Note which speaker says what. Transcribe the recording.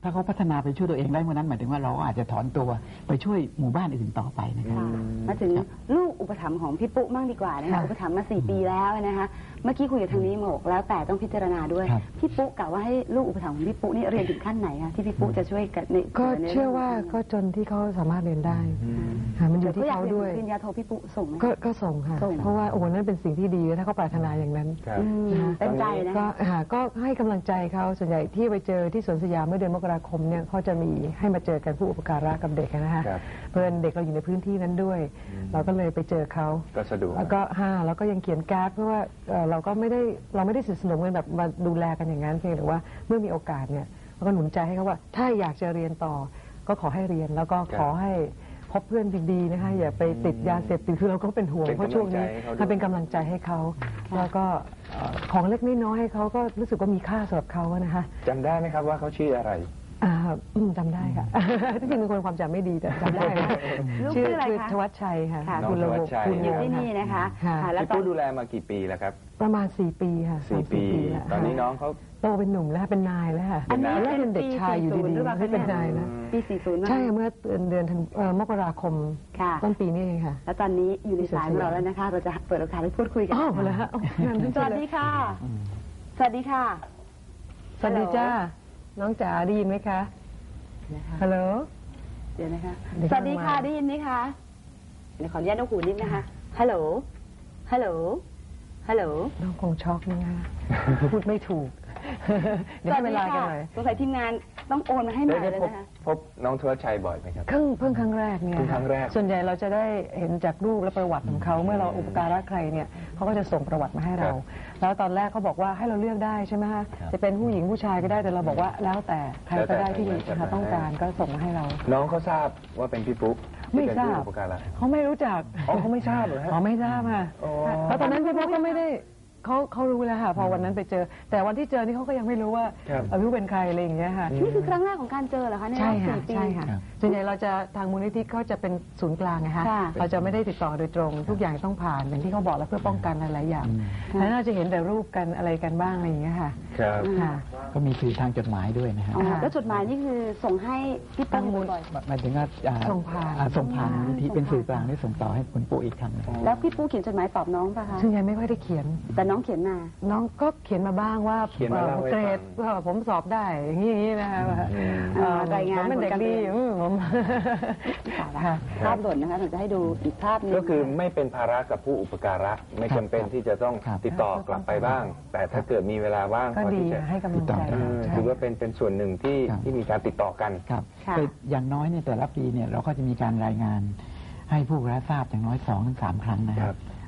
Speaker 1: ถ้าเขาพัฒนาไปช่วยตัวเองได้เมื่อนั้นหมายถึงว่าเราก็อาจจะถอนตัวไปช่วยหมู่บ้านอื่นต่อไปนะครับ
Speaker 2: มาถึงลูกอุปถัมภ์ของพี่ปุ๊มั่งดีกว่านะคะอุปถัมภ์มา4 ปีแล้วนะคะเมื่อกี้คุยกับทางนี้บอกแล้วแต่ต้องพิจารณาด้วยพี่ปุ๊กะว่าให้ลูกอุปถัมภ์ของพี่ปุ๊นี่เรียนถึงขั้นไหนคะที่พี่ปุ๊จะช่วยกันใน
Speaker 3: ก็เชื่อว่าก็จนที่เขาสามารถเรียนได้มันอยู่ที่เขาด้วย
Speaker 2: ปริญญาโทพี่ปุ๊ส่งไหม
Speaker 3: ก็ส่งค่ะเพราะว่าโอ้นั่นเป็นสิ่งที่ดีถ้าเขาปรารถนาอย่างนั้น
Speaker 2: เป็นใจนะ
Speaker 3: ก็ให้กำลังใจเขาส่วนใหญ่ที่ไปเจอที่สวนสยามเมื่อเดือนมกราคมเนี่ยเขาจะมีให้มาเจอกันผู้อุปการะกับเด็กนะคะเพื่อนเด็กเราอยู่ในพื้นที่นั้นด้วยเราก็เลยไปเจอเขา
Speaker 4: ก็สะดวก
Speaker 3: แล้วก็ยังเขียนการ์ดเพราะว่าเราไม่ได้สนิทสนมกันแบบมาดูแลกันอย่างนั้นเพียงแต่ว่าเมื่อมีโอกาสเนี่ยเราก็หนุนใจให้เขาว่าถ้าอยากจะเรียนต่อก็ขอให้เรียนแล้วก็ขอให้พบเพื่อนดีๆนะคะอย่าไปติดยาเสพติดคือเราก็เป็นห่วงเพราะช่วงนี้ถ้าเป็นกำลังใจให้เขาแล้วก็ของเล็กน้อยให้เขาก็รู้สึกว่ามีค่าสำหรับเขานะคะ
Speaker 4: จำได้ไหมครับว่าเขาชื่ออะไร
Speaker 3: จำได้ค่ะที่จริงเป็นคนความจำไม่ดีแต่จำได้
Speaker 2: ชื่ออะไรคะ
Speaker 3: ธวัชชัยค่ะ
Speaker 4: คุณระบบ
Speaker 2: คุณอยู่ที่นี่นะคะ
Speaker 4: แล้วพี่ดูแลมากี่ปีแล้วครับ
Speaker 3: ประมาณ4 ปีค่ะ
Speaker 4: 4 ปีตอนนี้น้องเขา
Speaker 3: โตเป็นหนุ่มแล้วเป็นนายแล้วค่ะอันนี้เป็นเด็กชายอยู่ดีๆไม่เป็นนายนะ
Speaker 2: ปี40ใ
Speaker 3: ช่เมื่อเดือนมกราคมต้นปีนี้เองค่ะ
Speaker 2: แล้วตอนนี้อยู่ในสายของเราแล้วนะคะเราจะเปิดโอกาสให้พูดคุยกัน
Speaker 3: เลยฮะ
Speaker 2: สวัสดีค่ะสวัสดีค่ะ
Speaker 3: สวัสดีจ้าน้องจ๋าได้ยินไหมคะฮัลโหล
Speaker 2: เดี๋ยวนะคะสวัสดีค่ะได้ยินไหมคะเดี๋ยวขออนุญาตนกหูนิดนะคะฮัลโหลฮัลโหลฮัลโหล
Speaker 3: น้องคงช็อกนะคะพูดไม่ถูกเดี๋ยวเวลากันหน่อย
Speaker 2: สงสัยทีมงานต้องโอนมาให้หน่อยเลยนะคะ
Speaker 4: พบน้องธวัชชัยบ่อยไหมครับ
Speaker 3: เพิ่งครั้งแรกเนี่ยส่วนใหญ่เราจะได้เห็นจากรูปและประวัติของเขาเมื่อเราอุปการะใครเนี่ยเขาก็จะส่งประวัติมาให้เราแล้วตอนแรกเขาบอกว่าให้เราเลือกได้ใช่ไหมคะจะเป็นผู้หญิงผู้ชายก็ได้แต่เราบอกว่าแล้วแต่ใครก็ได้ที่ต้องการก็ส่งมาให้เรา
Speaker 4: น้องเขาทราบว่าเป็นพี่ปุ๊
Speaker 3: ไม่ทราบเขาไม่รู้จัก
Speaker 4: เขาไม่ทราบเหรอฮะ
Speaker 3: เขาไม่ทราบค่ะเพราะตอนนั้นพี่ปุ๊ก็ไม่ได้เขารู้แล้วค่ะพอวันนั้นไปเจอแต่วันที่เจอนี่เขาก็ยังไม่รู้ว่าพี่เป็นใครอะไรอย่างเงี้ยค่ะ
Speaker 2: นี่คือครั้งแรกของการเจอเหรอคะในรอบ4 ปี
Speaker 3: ใช่ค่ะส่วนใหญ่เราจะทางมูลนิธิเขาจะเป็นศูนย์กลางนะคะเราจะไม่ได้ติดต่อโดยตรงทุกอย่างต้องผ่านอย่างที่เขาบอกแล้วเพื่อป้องกันหลายอย่างแล้วเราจะเห็นแต่รูปกันอะไรกันบ้างอะไรอย่างเงี้ยค่ะ
Speaker 1: ก็มีสื่อทางจดหมายด้วยนะครับ
Speaker 2: แล้วจดหมายนี่คือส่งให้พี่ตั้งมูล
Speaker 1: หมายถึงว่าส่งผ่านมูลนิธิเป็นสื่อกลางที่ส่งต่อให้คุณปู่อีกครั้ง
Speaker 2: แล้วพี่ปู่เขียนจดหมายตอบน้องป่ะคะ
Speaker 3: ส่วนใหญ่ไม่ค่อยได้เขียน
Speaker 2: แต่น้องเขียนมา
Speaker 3: น้องก็เขียนมาบ้างว่าเกรดผมสอบได้อย่างนี้นะคะ
Speaker 2: รายงาน
Speaker 3: เป็นเด็กดีผม
Speaker 2: ภาพหล่นนะคะผมจะให้ดูอีกภาพนึง
Speaker 4: ก็คือไม่เป็นภาระกับผู้อุปการะไม่จำเป็นที่จะต้องติดต่อกลับไปบ้างแต่ถ้าเกิดมีเวลาว่าง
Speaker 3: ก็ดีให้กำลังใจ
Speaker 4: ถือว่าเป็นส่วนหนึ่งที่มีการติดต่อกัน
Speaker 1: ครับอย่างน้อยเนี่ยแต่ละปีเนี่ยเราก็จะมีการรายงานให้ผู้รับทราบอย่างน้อย2 ถึง 3 ครั้งนะครับ